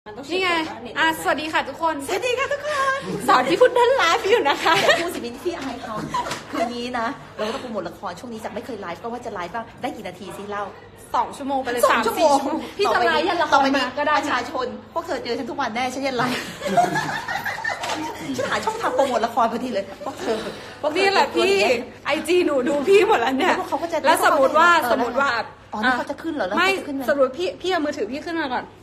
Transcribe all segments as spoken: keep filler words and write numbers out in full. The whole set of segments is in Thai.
นี่ไงอ่ะสวัสดีค่ะทุกคนสวัสดีค่ะทุกคนสอนพี่พุทธเดินไลฟ์อยู่นะคะอย่าพูดสิมินที่อายเขาคืนนี้นะเราก็ต้องโปรโมทละครช่วงนี้จะไม่เคยไลฟ์ก็ว่าจะไลฟ์บ้างได้กี่นาทีสิเล่าสองชั่วโมงไปเลยสอสาง มชั่วโมสี่งชั่วโมงพี่จะไลฟ์ยันละคต่อรไปมานี้ก็ได้ประชาชนพวกเธอเจอฉันทุกวันแน่ฉันจะไลฟ์ฉันหาช่องทางโปรโมทละครพอดีเลยพวกเธอพวกเธอนี่แหละพี่ไอจีหนูดูพี่หมดแล้วเนี่ยแล้วเขาก็จะแล้วสมมติว่าเออสมมติว่าอ๋อนี่เขาจะขึ้นเหรอแล้วไม่เขาจะขึ้นไหมสมมติพี่พี่เอามือถือพี่ขึ้นมาก่อน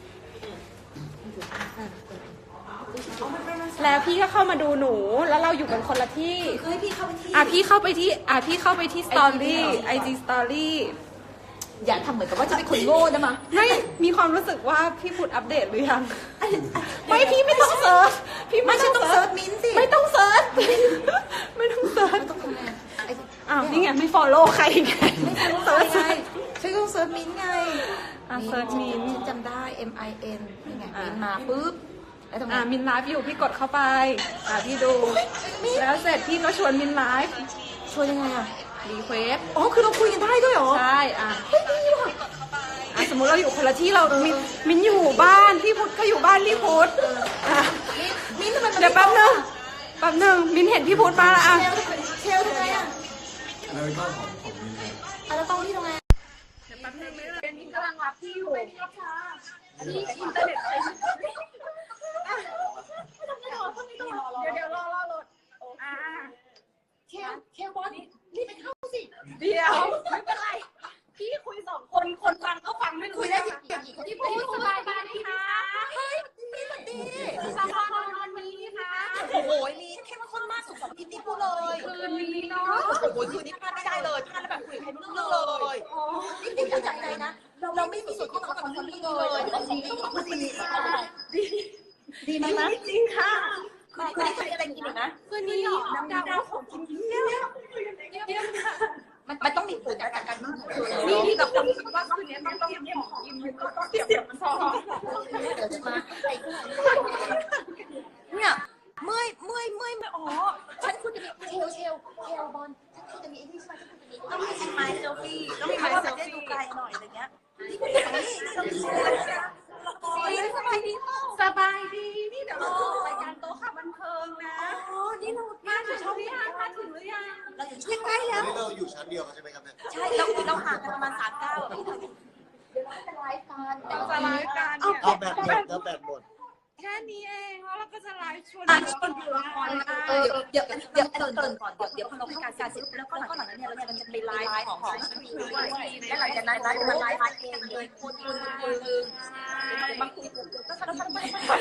แล้วพี่ก็เข้ามาดูหนูแล้วเราอยู่กันคนละที่เฮ้ยพี่เข้าไปที่อ่ะพี่เข้าไปที่อ่ะพี่เข้าไปที่สตอรี่ไอจีสตอรี่อย่าทำเหมือนกับว่าจะเป็นคนโง่นะมาไม่มีความรู้สึกว่าพี่พุทธอัปเดตหรือยังไม่พี่ไม่ต้องเซิร์ชพี่ไม่ใช่ต้องเซิร์ชมิ้นท์สิไม่ต้องเซิร์ชไม่ต้องเซิร์ชต้องทำไงไอ้อ้าวนี่ไงไม่ follow ใครไงเซิร์ชไงฉันก็ต้องเซิร์ชมิ้นท์ไงอ่ะเซิร์ชมินฉันจำได้ M I N นี่ไงมิ้นท์มาปุ๊บแล้วทำไงอ่ะมินไลฟ์อยู่พี่กดเข้าไปอ่ะพี่ดูแล้วเสร็จพี่ก็ชวนมินไลฟ์ช่วยยังไงอ่ะรีเควสอ๋อคือเราคุยกันได้ด้วยเหรอใช่อ่ะเฮ้ยดีว่ะอ่ะสมมุติเราอยู่คนละที่เรามินมินอยู่บ้านพี่พุทธก็อยู่บ้านพี่พุทธอ่ะมิ้นท์ทำไมมันเดี๋ยวแป๊บนึงแป๊บนึงมินเห็นพี่พุทธมาแล้วอ่ะเชลเชลทำไงอ่ะแล้วก็ของของมินเลยอ่ะแล้วต้องที่ทำไงแป๊บนึงเป็นมินกำลังรับพี่อยู่ที่อินเทอร์เน็ตเดี๋ยวเดี๋ยวรอรอรถอ่าเชลเชลบอลนี่ไปเข้าสิเดี๋ยวไม่เป็นไร พี่คุยสองคนคนฟังก็ฟังไม่รู้คุยได้กี่กี่คนที่พูดสบายดีค่ะเฮ้ยมิ้นท์สวัสดีสบายวันนี้ค่ะโอ้โหมิ้นท์เข้มข้นมากสุดสองอาทิตย์นี้พูดเลยคืนนี้เนาะโอ้โหคืนนี้พลาดไม่ได้เลยพลาดแล้วแบบคุยกับใครไม่รู้เรื่องเลยนี่นี่จับใจนะ เราไม่มีส่วนที่ต้องทำเรื่องนี้เลยดีดีไหมนะจริงค่ะคืนนี้มีอะไรกินอีกนะคืนนี้น้ำดาวของกินเยอะเยอะค่ะมันมันต้องมีผลกับการมั่นคงนี่ที่กับคนคิดว่าคืนนี้ต้องต้องเตรียมของกินมันก็ต้องเตรียมมันซองเดี๋ยวจะมาเนี่ยเมื่อยเมื่อยเมื่อยไม่อ๋อฉันคุณจะมีเชลเชลเชลบอลฉันคุณจะมีไอ้นี่ใช่ไหมฉันคุณจะมีต้องมีไอ้ไม้เซลฟี่ต้องมีไม้เซลฟี่ดูไกลหน่อยอะไรเงี้ยนี่คุณจะนี่นี่เราดูละครสบายดีเปล่าสบายดีนี่เดี๋ยวเราจะรายการโต๊ะข่าวบันเทิงนะอ๋อนี่เรามาถึงช่องที่ห้ามาถึงหรือยังเราอยู่ช่วงใกล้แล้วนี่เราอยู่ชั้นเดียวกันใช่ไหมครับเนี่ยใช่เราเราห่างกันประมาณสามเก้าอ่ะพี่เธอเดี๋ยวเราจะไลฟ์กันเราจะไลฟ์กันเอาแบตหมดแล้วแบตหมดแค่นี้เองแล้วเราก็จะไลฟ์ชวนอ่ะชวนดูละครเออเดี๋ยวเดี๋ยวเติมเติมก่อนเดี๋ยวเดี๋ยวพอเราพิการการเสร็จแล้วก็แล้วก็หลังจากนี้เราเนี่ยเราจะไปไลฟ์ของของด้วยและหลังจากนั้นเราจะมาไลฟ์เองเลยคนคนคนคนมาคุยกันก็ทำทำไป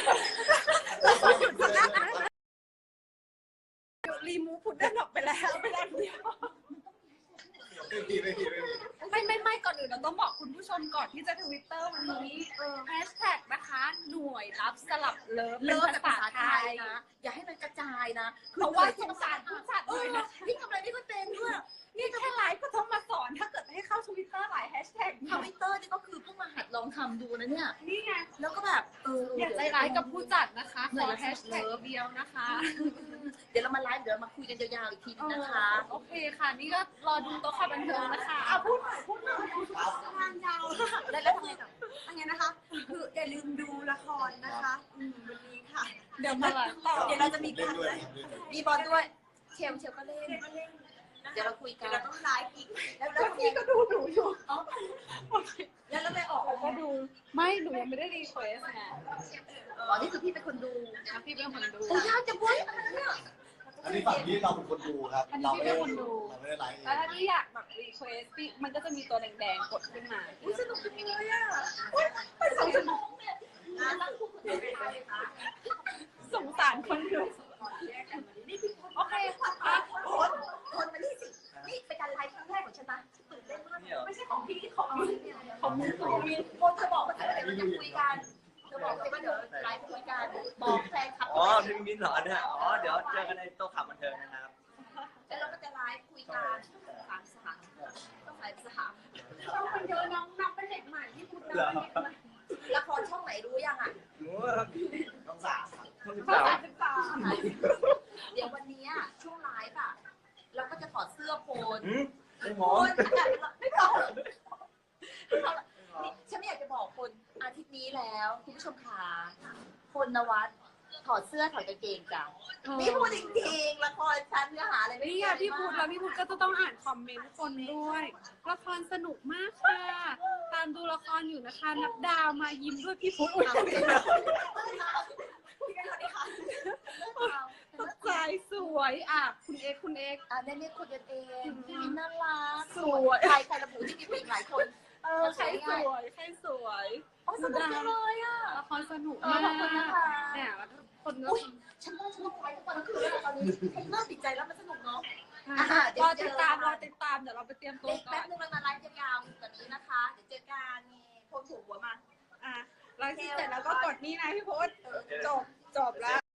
รีมูฟพุดเดิ้ลออกไปแล้วไปแล้วเดียวไม่มีไม่มีไม่มีไม่ไม่ไม่ก่อนอื่นเราต้องบอกคุณผู้ชมก่อนที่จะทวิตเตอร์วันนี้แฮชแท็กนะคะหน่วยรับสลับเลิฟเลิกเป็นแต่ภาภาษาษาไทไทยยนะอย่าให้มันกระจายนะเพราะว่าสงสารผู้จัดเอเลอยนะพี่ทำอะไรไม่ค่อยเป็นด้วยนี่แค่ไลฟ์ก็ต้องมาสอนถ้าเกิดให้เข้าทวิตเตอร์หลายแฮชแท็กทวิตเตอร์นี่ก็คือเพิ่งมาหัดลองทำดูนะเนี่ยนี่ไงแล้วก็แบบเอออย่าใจร้ายกับผู้จัดนะคะขอแฮชแท็กเดียวนะคะเดี๋ยวเรามาไลฟ์เดี๋ยวเรามาคุยกันยาวๆอีกทีนึงนะคะโอเคค่ะ นี่ก็รอดูโต๊ะข่าวบันเทิงนะคะเอาพูดหน่อยพูดหน่อยงานยาวแล้วแล้วทำไงต่ออันนี้นะคะ คืออย่าลืมดูละครนะคะอืมวันนี้ค่ะเดี๋ยวมาต่อเดี๋ยวเราจะมีเล่นการด้วยไลฟ์เล่นด้วยมีบอลด้วย เชลเชลก็เล่น เดี๋ยวเราคุยกัเดี๋ยวน เราต้องไลฟ์อีกแล้วแล้วทำไงพี่ก็ดูหนูอยู่แล้วเราไปออกเราก็ดู ไม่หนูยังไม่ได้รีเควสไงอ๋อนี่คือพี่เป็นคนดูนะพี่เป็นคนดูโอ้ยากจะบ้วยอะไรเนี่ยอันนี้ฝั่งนี้เราเป็นคนดูครับ เราไม่ได้เราไม่ได้ไลฟ์เอแล้วงถ้าพี่อยากแบบรีเควสพี่มันก็จะมีตัวแดงๆกดขึ้นมาอุ้ยสนุกจังเลยอ่ะไปสองชั่วโมงเนี่ยสงสารคนดูโอเคค่ะคนคนมานี่สิ นี่เป็นการไลฟ์ครั้งแรกของฉันนะตื่นเต้นมากไม่ใช่ของพี่ของมีของมีของมีคนเธอบอกว่าเธอเดี๋ยวจะคุยกันเธอบอกเลยว่าเดี๋ยวไลฟ์คุยกันบอกแฟนคลับอ๋อพี่มิ้นเหรอเนี่ยอ๋อ เดี๋ยวเจอกันในโต๊ะข่าวบันเทิงนะครับแล้วเราก็จะไลฟ์คุยกันสามสามต้องไลฟ์สามช่องคนเยอะน้องน้องเป็นเด็กใหม่ที่พูดได้ละครช่องไหนรู้ยังอ่ะหนูต้องสามต้องสิบภาสามษาศึกษาเดี๋ยววันนี้ช่วงไลฟ์อ่ะเราก็จะถอดเสื้อโพนหืมไม่หโพอมนไม่พอไม่พอนี่ฉันไม่อยากจะบอกคนอาทิตย์นี้แล้วคุณผู้ชมขาคุณนวัดถอดเสื้อถอดกางเกงจ้ะนี่พูดจริงๆละครฉันเนื้อหาอะไรไม่นี่เกี่ไงยวพี่พุทธแล้วพี่พุทธก็จะต้องอ่านคอมเมนต์คนด้วยละครสนุกมากค่ะตามดูละครอยู่นะคะนับดาวมายิ้มด้วยพี่พุทธอุ๊ยตกใจสวยอ่ะคุณเอ็กซ์คุณเอ็กซ์อ่ะเนี่ยเนี่ยคุณกันเองพี่มินน่ารักสวยใครใครระบุที่มีเพลงหลายคนเออใครสวยใครสวยโอ้สนุกจังเลยอ่ะละครสนุกเออมากขอบคุณนะคะเนี่ยแล้วคนก็อุ้ยฉันว่าฉันต้องไปทุกวันทั้งคืนแล้วตอนนี้ฉันเริ่มติดใจแล้วมันสนุกเนาะรอติดตามรอติดตามเดี๋ยวเราไปเตรียมตัวเด็กก่แป๊อบ นนึงเรามาไลฟ์ยาวๆกว่านี้นะคะ เดี๋ยวเจอกันนี่โพสถูกหัวมาอ่ะไลฟ์เสร็จแล้วก็กดนี่นะพี่พุทธจบจบแล้ว